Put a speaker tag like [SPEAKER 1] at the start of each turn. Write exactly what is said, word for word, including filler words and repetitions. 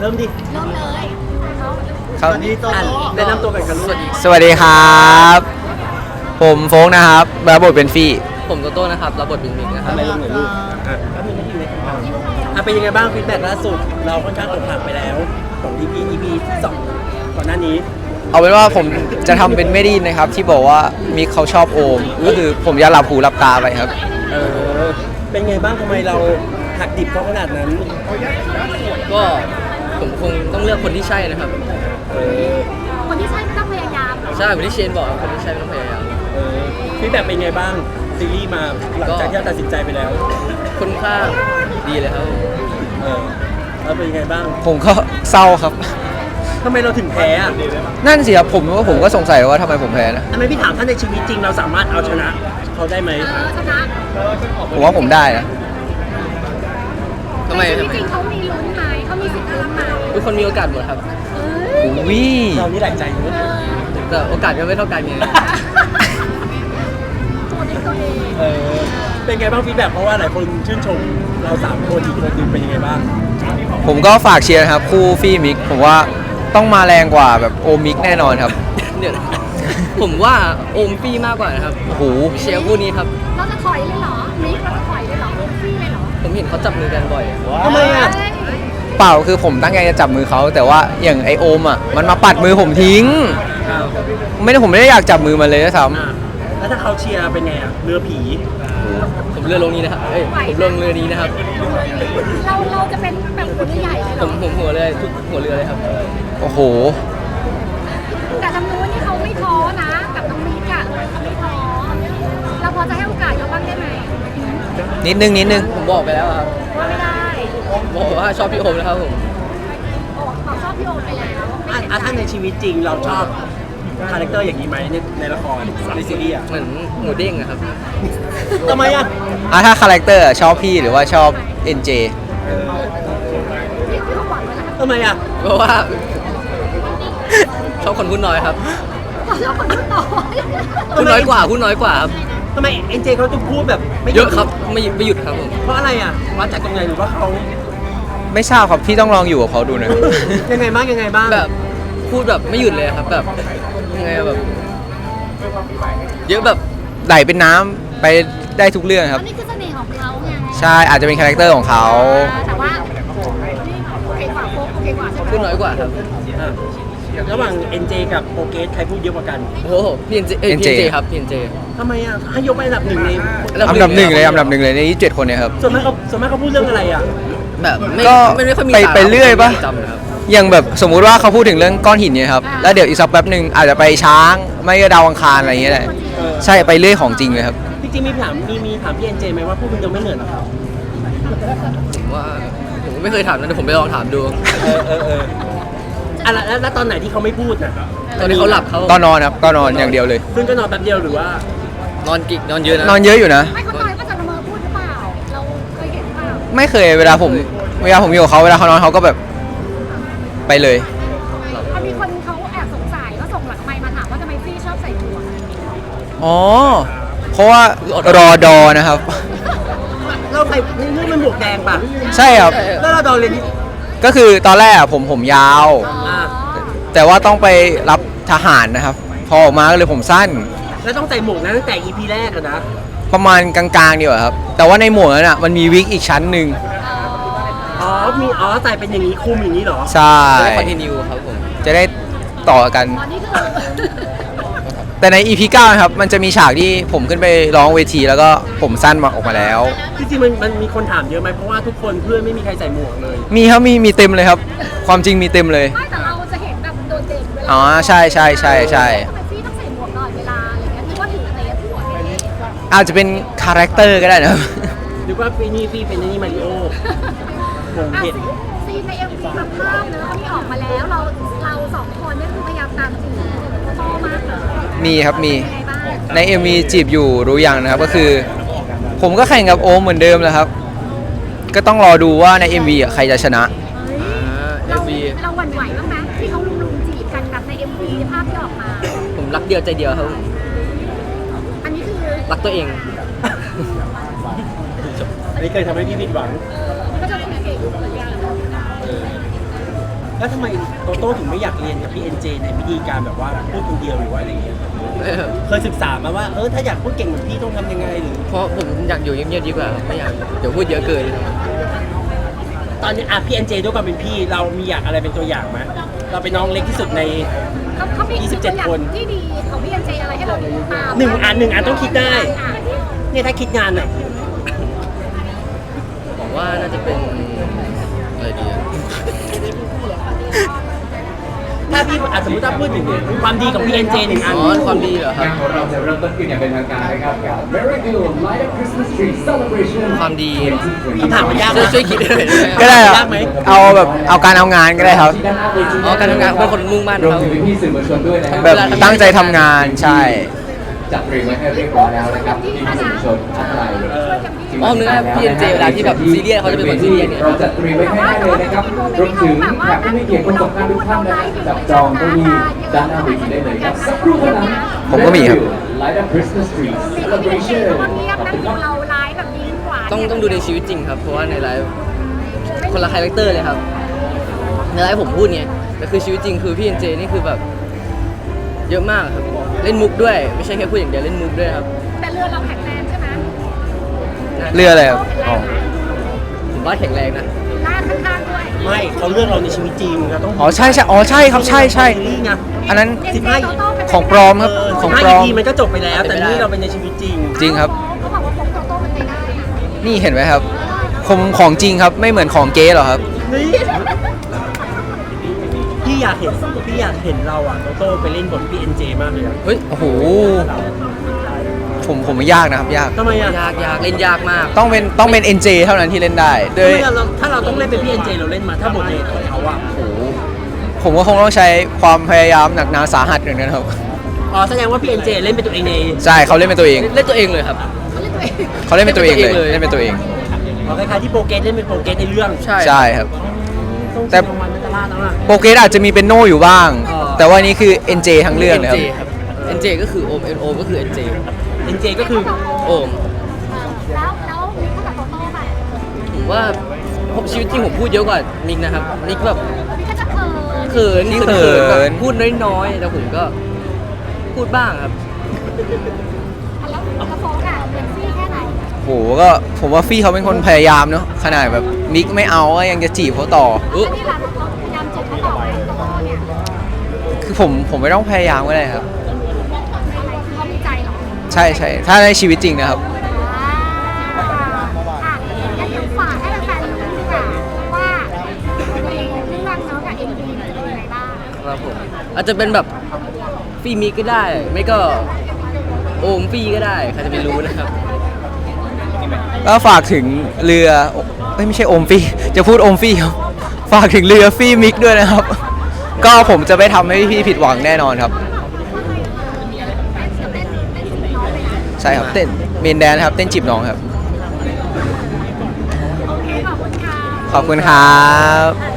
[SPEAKER 1] ริ่มดิ
[SPEAKER 2] เริ่มเลยเขา
[SPEAKER 3] ครับ
[SPEAKER 1] อันนี้โตโต้แนะนำตัวกันกันลูก
[SPEAKER 3] สวัสดีครับ ผมโฟกนะครับรับบทเป็นฟี่
[SPEAKER 4] ผมโตโต้นะครับรับบทเป็นมิกนะครับ
[SPEAKER 1] ทำไมลงเหนือลูกอ่ะก็มีไม่อยู่ในคำถามอ่ะเป็นยังไงบ้างฟีดแบ็กล่าสุดเราค่อนข้างอกหักไปแล้วของ อี พี อี พี ที่สองก่อนหน้านี้
[SPEAKER 3] เอาเป็นว่าผมจะทำเป็นไม่ไดยินนะครับ ที่บอกว่ามิกเขาชอบโอม ก็คือผมจะหลับหูหลับตาไปครับ
[SPEAKER 1] เออเป็นไงบ้างทำไมเราหักดิบเขาขนาดนั้น
[SPEAKER 4] ก็ผมคงต้องเลือกคนที่ใช่นะครับ
[SPEAKER 1] เออ
[SPEAKER 2] คนที่ใช่ไม่ต้องพยายามหรอก
[SPEAKER 4] ใช่เหมือนที่เชนบอกคนที่ใช่ไม่ต้องพยายาม
[SPEAKER 1] เออฟีดแบ็กเป็นไงบ้างซีรีส์มาหลังจากที่เราตัดสินใจไปแล้ว
[SPEAKER 4] ค่อนข้างดีเลยครับ
[SPEAKER 1] เออแล้วเป็นยังไงบ้าง
[SPEAKER 3] ผมก็เศร้าครับ
[SPEAKER 1] ทำไมเราถึงแพ้อ่ะ
[SPEAKER 3] นั่นสิครับผมว่าผมก็สงสัยว่าทำไมผมแพ้นะ
[SPEAKER 1] ทำไมพี่ถามท่านในชีวิตจริงเราสามารถเอาชนะเขาได้ไหม
[SPEAKER 2] เออชนะ
[SPEAKER 3] ผมว่าผมได้นะ
[SPEAKER 4] ทำไม
[SPEAKER 2] ในชี
[SPEAKER 4] ทำ
[SPEAKER 2] วิต
[SPEAKER 4] ไม
[SPEAKER 2] จริงเขามีลุ้นไหมเขามีสิทธิ์ลุ้นไหม
[SPEAKER 4] ทุกคนมีโอกาสหมดครับ
[SPEAKER 2] เอ้ย
[SPEAKER 3] อุ้ย
[SPEAKER 1] เรานี่หลายใจเนอะ
[SPEAKER 4] แต่โอกาสก็ไม่เท่ากันไง
[SPEAKER 2] ตัวเองตัวเอง
[SPEAKER 1] เออเป็นไงบ้างฟีดแบ็กเพราะว่าหลายคนชื่นชมเราสามคนอีกคนหนึงเป็นยังไงบ้าง
[SPEAKER 3] ผมก็ฝากเชียร์นะครับ คู่ฟี่มิก ผมว่าต้องมาแรงกว่าแบบโอมิกแน่นอนครับ
[SPEAKER 4] เดี๋ยวนะผมว่าโอมฟี่มากกว่านะครับ
[SPEAKER 3] โอ้โห
[SPEAKER 4] เชียร์คู่นี้ครับ
[SPEAKER 2] เราจะถอยเลยเหรอมิกเราจะถอยเลยเหรอฟี่เลยเหรอ
[SPEAKER 4] ผมเห็นเขาจับมือกันบ่อย
[SPEAKER 1] ทำไมอ่ะ
[SPEAKER 2] เฮ้ย
[SPEAKER 3] เปล่าคือผมตั้งใจจะจับมือเขาแต่ว่าอย่างไอโอมอ่ะมันมาปัดมือผมทิ้ง
[SPEAKER 1] อ้าว
[SPEAKER 3] ไม่ได้ผมไม่ได้อยากจับมือมันเลยนะซ้
[SPEAKER 1] อ่ะแล้วถ้าเขาเชียร์เป็นไงอ่ะเรือผี
[SPEAKER 4] ผมเรือลงนี้นะครับเอ้ยผมลงเรือนี้นะครับ
[SPEAKER 2] เราเราจะเป็นแบบคนใหญ่เลยเห
[SPEAKER 4] ผ
[SPEAKER 2] รอ
[SPEAKER 4] มผมหัวเรือทุกหัวเรือเลยครับ
[SPEAKER 3] ำโอ้โห
[SPEAKER 2] แต่ทางนู้นนี่เขาไม่ท้อนะกับน้องมิกอะเขาไม่ท้อเราพอจะให้โอกาสเขาบ้างได้ไหม
[SPEAKER 3] นิดนึงนิดนึง
[SPEAKER 4] ผมบอกไปแล้วครับ
[SPEAKER 2] ว่าไม่ได้
[SPEAKER 4] บอกว่าชอบพี่โอมนะครับผม
[SPEAKER 2] โอ้เขาชอบพี่โอมไปแล้วไม่
[SPEAKER 1] อ่ะ
[SPEAKER 2] เห็น
[SPEAKER 1] อ่ะถ้าในชีวิตจริงเราชอบคาแรคเตอร์อย่างนี้ไหมในในละครในซีรีส์อ่ะ
[SPEAKER 4] เหมือนหมูเด้งอะครับ
[SPEAKER 1] ทำไมอ่ะ
[SPEAKER 3] อ่ะถ้าคาแรคเตอร์ชอบพี่หรือว่าชอบ เอ็น เจ
[SPEAKER 2] พี่พี่เขาหวังไว้แล้ว
[SPEAKER 1] ทำไมอ่ะ
[SPEAKER 4] เพราะว่า ชอบคนพูดน้อยครับ
[SPEAKER 2] เขาชอบคนพูดต่อ
[SPEAKER 4] พูดน้อยกว่าพูดน้อยกว่าครับ
[SPEAKER 1] ทำไมเอ็นเจเขาต้องพูดแบบไม่ห
[SPEAKER 4] เยอะครับไม่ไม่หยุดครับผม
[SPEAKER 1] เพราะอะไรอ่ะวัดจากตรงไหนหรือว่าเขา
[SPEAKER 3] ไม่ทราบครับพี่ต้องลองอยู่กับเขาดูนะ
[SPEAKER 1] ยังไงบ้างยังไงบ้าง
[SPEAKER 4] แบบพูดแบบไม่หยุดเลยครับแบบยังไงแบบ เยอะแบบ
[SPEAKER 3] ไหลเป็นน้ำไปได้ทุกเรื่องครับ
[SPEAKER 2] อันนี้คือเสน่ห์ของเขาไง
[SPEAKER 3] ใช่อาจจะเป็นคาแรคเตอร์ของเขา
[SPEAKER 2] แต่ว่านี่โอเคกว่าโฟกโอเคกว่าใช่ไหม
[SPEAKER 4] พูดน้อยกว่าครับ
[SPEAKER 1] อ่ะระหว่าง เอ็น เจ กับโปรเกสใครพูดเยอะกว่ากัน
[SPEAKER 4] โอ้โหพีเอ็นเจเอ้ย
[SPEAKER 3] เอ็น
[SPEAKER 4] พี
[SPEAKER 3] เจ
[SPEAKER 4] เอ็นเจครับพีเอ็นเจ
[SPEAKER 1] ทำไมอ่ะให้ยกไปอันดับหนึ่งใน
[SPEAKER 3] อันดับหนึ่งเลยอันดับหนึ่งเลยในยี่สิบเจ็ดคนเนี่ยครับ
[SPEAKER 1] ส่วนมากเขาส่วนมากเขาพูดเรื่องอะไรอ่ะ
[SPEAKER 4] แบบไม่
[SPEAKER 3] ก็
[SPEAKER 4] ไม่ไม่ค่อยมี
[SPEAKER 3] ไป
[SPEAKER 4] สาระ
[SPEAKER 3] ไปเรื่อยปะ
[SPEAKER 4] จำนะครับ
[SPEAKER 3] อย่างแบบสมมุติว่าเขาพูดถึงเรื่องก้อนหินเนี่ยครับ แล้วเดี๋ยวอีกสักแป๊บหนึ่งอาจจะไปช้าง ไม่ก็ดาวอังคารอะไรอย่างเงี้ยแหละ
[SPEAKER 1] เออ
[SPEAKER 3] ใช่ไปเรื่อยของจริงเลยครับ
[SPEAKER 1] จริงๆมีถามมีมีถามพี่เอ็นเจไหมว่าพวกคุณจะไม่เหนื่อยเหรอครับ
[SPEAKER 4] ผมว่าผมก็ไม่เคยถามนะเดี๋ยวผมไปลองถามดู
[SPEAKER 1] เออเออเอออ่ะแล้วแล้วแล้วตอนไหนที่เขาไม่พูดน่ะ
[SPEAKER 4] ตอนนี้เขาหลับเขา
[SPEAKER 3] ก็นอนครับก็นอนอย่างเดียวเลย
[SPEAKER 1] ซึ่งก็นอนแป๊บเดียวหรือว่า
[SPEAKER 4] นอนกิกนอนเยอะนะ
[SPEAKER 3] นอนเยอะอยู่นะ
[SPEAKER 2] ไม่คนน้อยก็จะละเมอพูดหรือเปล่า เราเคยเห็นเปล่า
[SPEAKER 3] ไม่เคยเวลาผมเวลาผมอยู่กับเขาเวลาเขานอนเขาก็แบบไปเลย
[SPEAKER 2] มันมีคนเขาแอบสงสัยว่าส่งหลังไมค์มาถามว่าทำไมฟี่ชอบใส่หมวก
[SPEAKER 3] อ๋อ เพราะว่ารอดอนะครับ
[SPEAKER 1] เราใส่ในเรื่องมันหมวกแดงป่ะ
[SPEAKER 3] ใช่ครับ
[SPEAKER 1] แล้วเราโดนเรียนที่
[SPEAKER 3] ก็คือตอนแรกอะผมผมยาว
[SPEAKER 1] อ่า
[SPEAKER 3] แต่ว่าต้องไปรับทหารนะครับ พอออกมาก็เลยผมสั้น
[SPEAKER 1] แล้วต้องใส่หมวกนั้นตั้งแต่ อี พี แรกอะนะ
[SPEAKER 3] ประมาณกลางๆดีกว่าครับ แต่ว่าในหมวกนั้นอ่ะมันมีวิกอีกชั้นหนึ่ง
[SPEAKER 1] อ๋อมีอ๋อใส่เป็นอย่างนี้คลุมอย่างนี้เหรอ
[SPEAKER 3] ใช่
[SPEAKER 4] จะได้คอนติเนียครับผม
[SPEAKER 3] จะได้ต่อกัน
[SPEAKER 2] ตอนนี้คือ
[SPEAKER 3] แต่ใน อี พี เก้านะครับ มันจะมีฉากที่ผมขึ้นไปร้องเวทีแล้วก็ผมสั้นมาออกมาแล้ว
[SPEAKER 1] จริงๆมันมันมีคนถามเยอะไหมเพราะว่าทุกคนเพื่อนไม่มีใครใส่หมวกเลย
[SPEAKER 3] มีครับมีมีเต็มเลยครับ ความจริงมีเต็มเลย
[SPEAKER 2] ไม่แต่เราจะเห็นแบบโดดเด่นเวลา
[SPEAKER 3] อ๋อใช่ใช่ใช่ใช่
[SPEAKER 2] ทำไมฟี่ต้องใส่หมวกตลอดเวลาอะไรเงี้ยนึกว่าถือเตะหัวอย่างเงี้ย
[SPEAKER 3] อาจจะเป็นคาแรคเตอร์ก็ได้นะครับ
[SPEAKER 1] หรือว่าปีนี้พี่เป็นนี่มาริโอ ผม
[SPEAKER 2] อ่ะ
[SPEAKER 1] เห็น
[SPEAKER 2] ซีนในเอ็มวีแบบภาพเนอะที่ออกมาแล้วเราเราสองคนเนี่ยคือพยายามตามจีบพ่อมากเลย
[SPEAKER 3] มีครับมี
[SPEAKER 2] เป็นยังไงบ้าง
[SPEAKER 3] ใน เอ็ม วี จีบอยู่รู้ยังนะครับก็คือ ผมก็แข่งกับโอมเหมือนเดิมแหละครับ ก็ต้องรอดูว่าใน เอ็ม วี อ่ะใครจะชนะ
[SPEAKER 2] เฮ้ย
[SPEAKER 4] เอ็
[SPEAKER 2] เรา
[SPEAKER 4] มวี
[SPEAKER 2] เราหวั่นไหวบ้างไหมที่เขาลุมๆจีบกันแบบใน เอ็ม วี ภาพที่ออกมา
[SPEAKER 4] ผมรักเดียวใจเดียวครับ
[SPEAKER 2] อันนี้คือ
[SPEAKER 4] รักตัวเอง
[SPEAKER 1] อันนี้เคยทำให้พี่ผิดหวัง
[SPEAKER 2] มันก็จะต้องเก่งเหมือนกัน
[SPEAKER 1] อแล้วทำไมโตโต้ถึงไม่อยากเรียนกับพี่เอ็นเจในวิธีการแบบว่าพูดคนเดียวหรือว่าอะไรอย่างเงี้ย
[SPEAKER 4] ไม่ครับ
[SPEAKER 1] เคยศึกษามาว่าเออถ้าอยากพูดเก่งเหมือนพี่ต้องทำยังไงหรือ
[SPEAKER 4] เพราะผมอยากอยู่เงียบๆดีกว่าครับไม่อยากเดี๋ยวพูดเยอะเกิน
[SPEAKER 1] ตอนนี้อ่ะพี่เอ็นเจด้วยความเป็นพี่เรามีอยากอะไรเป็นตัวอย่างไหมเราเป็นน้องเล็กที่สุดใน
[SPEAKER 2] เขาเขามี
[SPEAKER 1] ยี่สิบเจ็ด
[SPEAKER 2] ตัวอย่าง
[SPEAKER 1] คน
[SPEAKER 2] ที่ดีของพี่เอ็นเจอะไรให้เราดูตาม
[SPEAKER 1] หนึ่งอันหนึ่งอันต้องคิดได้
[SPEAKER 2] อ่ะ
[SPEAKER 1] เนี่ยถ้าคิดงานอ่ะ
[SPEAKER 4] บอกว่าน่าจะเป็นอะไรดีอะ
[SPEAKER 1] ถ้าพี่อ่ะสมมติถ้าพูดถึงความดีของพี่เอ็นเจหนึ่งอัน
[SPEAKER 4] อ๋อความดีเหรอครับ
[SPEAKER 5] งานของเราจะเริ่มต้นขึ้นอย่างเป็นทางการนะครับกับ Very Good Light Up Christmas Tree Celebration
[SPEAKER 4] ความดี
[SPEAKER 1] คำถามมันยาก
[SPEAKER 4] ช่วยช่วยคิดหน่อยได้ไหม
[SPEAKER 3] ก็ได้ครับ
[SPEAKER 1] ยากไหม
[SPEAKER 3] เอาแบบเอาการเอางานก็ได้ครับ
[SPEAKER 4] อ๋อการทำงานเป็นคนมุ่งมั่น
[SPEAKER 5] รวม
[SPEAKER 4] เขา
[SPEAKER 5] ถึงพี่ๆสื่อมวลชนด้วยนะครับ
[SPEAKER 3] แบบตั้งใจทำงานใช่
[SPEAKER 5] จัดเตรียมไว้ให้เรียบร้อยแล้วนะครับพี่ๆสื่อมวลชนท่านใด
[SPEAKER 4] อ๋อนึกว่าพี่เอ็นเจเวลาที่แบบซีเรียสเขาจะเป็นคนซีเรียสเนี่ย
[SPEAKER 5] เราจัดเตรียมไว้ให้ได้เลยนะครับรวมถึงแขกผู้มีเกียรติคนสำคัญทุกท่านนะครับจับจองเก้าอี้ด้านหน้าเวทีได้เลยครับสักครู่เท่านั้น
[SPEAKER 3] ผมก็มีครับ
[SPEAKER 5] Light Up Christmas Tree
[SPEAKER 2] พี่เอ็นเจ
[SPEAKER 5] Celebration
[SPEAKER 2] เขาก็เงียบนะดูเราไลฟ์แบบยิ้มหวาน
[SPEAKER 4] ต้องต้องดูในชีวิตจริงครับ เพราะว่าในไลฟ์คนละคาแรคเตอร์เลยครับ ในไลฟ์ผมพูดไงแต่คือชีวิตจริงคือพี่เอ็นเจนี่คือแบบ เยอะมากครับ เล่นมุกด้วย ไม่ใช่แค่พูดอย่างเดียวเล่นมุกด้วยครับ
[SPEAKER 2] แต่เรือเราแข็งแรงใช่ไหม
[SPEAKER 3] เรืออะไรครับ
[SPEAKER 2] แข็งแร
[SPEAKER 3] อ๋อง
[SPEAKER 2] นะ
[SPEAKER 4] ผมว่าแข็งแรงนะ
[SPEAKER 2] ลากข้างๆด้วย
[SPEAKER 1] ไม่เขาเลือกเราในชีวิตจริงเราต้อง
[SPEAKER 3] อ๋อใช่ใช่อ๋อใช่ครับใช่ใช่
[SPEAKER 1] นี่ไง
[SPEAKER 3] อันนั้น
[SPEAKER 1] สิบห้า
[SPEAKER 3] ของปลอมครับ
[SPEAKER 1] เออ
[SPEAKER 3] ข
[SPEAKER 1] สิ
[SPEAKER 3] อง
[SPEAKER 1] บห้า
[SPEAKER 3] ปลอม
[SPEAKER 1] อีพีมันก็จบไปแล้ว แต่นี่เราเป็นในชีวิตจริง
[SPEAKER 3] จริงครับ
[SPEAKER 2] เขาบอกว่าโฟกโตโต้มันไปได้อะ
[SPEAKER 3] นี่เห็นไหมครับผมของจริงครับไม่เหมือนของเก๊หรอครับ
[SPEAKER 1] นี่พี่อยากเห็นพี่อยากเห็นเราอ่ะโตโต้ไปเล่นบทพี่เอ็นเจมากเลยอะ
[SPEAKER 4] เฮ้ย
[SPEAKER 3] โอ้โหผมผมว่ายากนะครับยาก
[SPEAKER 1] ทำไมอ่ะ
[SPEAKER 4] ยากยากเล่นยากมาก
[SPEAKER 3] ต้องเป็นต้องเป็น เอ็น เจ เท่านั้นที่เล่นได้โดย
[SPEAKER 1] ทำไมเราถ้าเราต้องเล่นเป็นพี่เอ็นเจเราเล่นมาถ้าบทในของเขาอ่ะ
[SPEAKER 3] โอ้โหผมก็คงต้องใช้ความพยายามหนักหนาสาหัสอย่างนั้นครับ
[SPEAKER 1] อ๋อแสดงว่าพี่เอ็นเจเล่นเป็นตัวเองใน
[SPEAKER 3] ใช่เขาเล่นเป็นตัวเอง
[SPEAKER 4] เล่นตัวเองเลยครับ
[SPEAKER 3] เขาเล่นเป็นตัวเองเลย
[SPEAKER 4] เล่
[SPEAKER 3] เล่
[SPEAKER 4] น
[SPEAKER 3] น
[SPEAKER 4] เป็
[SPEAKER 3] เป็น น
[SPEAKER 4] ตั
[SPEAKER 3] ตัว ว
[SPEAKER 4] เอ
[SPEAKER 3] เอง ง
[SPEAKER 1] อ๋อคล้ายๆที่โปรเกสเล่นเป็นโปรเกสในเรื่อง
[SPEAKER 4] ใช่
[SPEAKER 3] ใช่ครับ แต่
[SPEAKER 1] แต่วันนัตลาดแล้วอ่ะ
[SPEAKER 3] โปรเกรสอาจจะมีเป็นโนอยู่บ้าง
[SPEAKER 1] อ๋อ
[SPEAKER 3] แต่ว่านี่คือ เอ็น เจ ทั้งเรื่องเลยค
[SPEAKER 4] เอ็
[SPEAKER 3] รับ
[SPEAKER 4] นเจครับ เอ็น เจ ก็คือโอม เอ็น โอมก็คือ เอ็น เจ
[SPEAKER 1] เอ็นเจก็คือ
[SPEAKER 4] โอม
[SPEAKER 2] แล้วแล้วมีเขากับโตโต้ไป
[SPEAKER 4] ผมว่าผมชีวิตจริงผมพูดเยอะกว่ามิกนะครับ มิกแบบ
[SPEAKER 2] มีก็จะเขิน
[SPEAKER 4] เขิน
[SPEAKER 3] นี่
[SPEAKER 4] เขิน
[SPEAKER 3] เขิ
[SPEAKER 4] แบบ
[SPEAKER 3] น
[SPEAKER 4] พูดน้อยๆแต่ผมก็พูดบ้างครับ
[SPEAKER 2] แล้วแล้วโฟกอะเป็นซี่แค่ไหน
[SPEAKER 3] โหก็ผมว่าฟี่เขาเป็นคนพยายามเนาะขนาดแบบมิกไม่เอาก็ยังจะจีบเขาต่อ
[SPEAKER 4] อุ๊
[SPEAKER 2] อันนี้ล่ะเราพยายามจีบเขาต่อไปโตโต้เนี่ย
[SPEAKER 3] คือผมผมไม่ต้องพยายามก็ได้ครับ
[SPEAKER 2] อะไรคือเขามีใจเหรอ
[SPEAKER 3] ใช่ใช่ถ้าในชีวิตจริงนะครับ
[SPEAKER 2] อ่าอ่ะงั้นเดี๋ยวฝากให้แฟนๆรู้ดีกว่าว่าในเรื่องเนาะกับเอ็มวีมันจะเป็นยังไงบ้าง
[SPEAKER 4] ครับผมอาจจะเป็นแบบฟีมิกก็ได้ ไม่ก็โอมฟีก็ได้ใครจะไปรู้นะครับ
[SPEAKER 3] ก็ฝากถึงเรือเอ้ยไม่ใช่โอมฟี่จะพูดโอมฟี่ครับฝากถึงเรือฟี่มิกด้วยนะครับ ก็ผมจะไม่ทำให้พี่ผิดหวังแน่นอนครับ ใช่ครับเต้นเมนแดนครับเต้นจีบน้องครับ
[SPEAKER 2] โอเคขอบคุณค่ะ
[SPEAKER 3] ขอบคุณครับ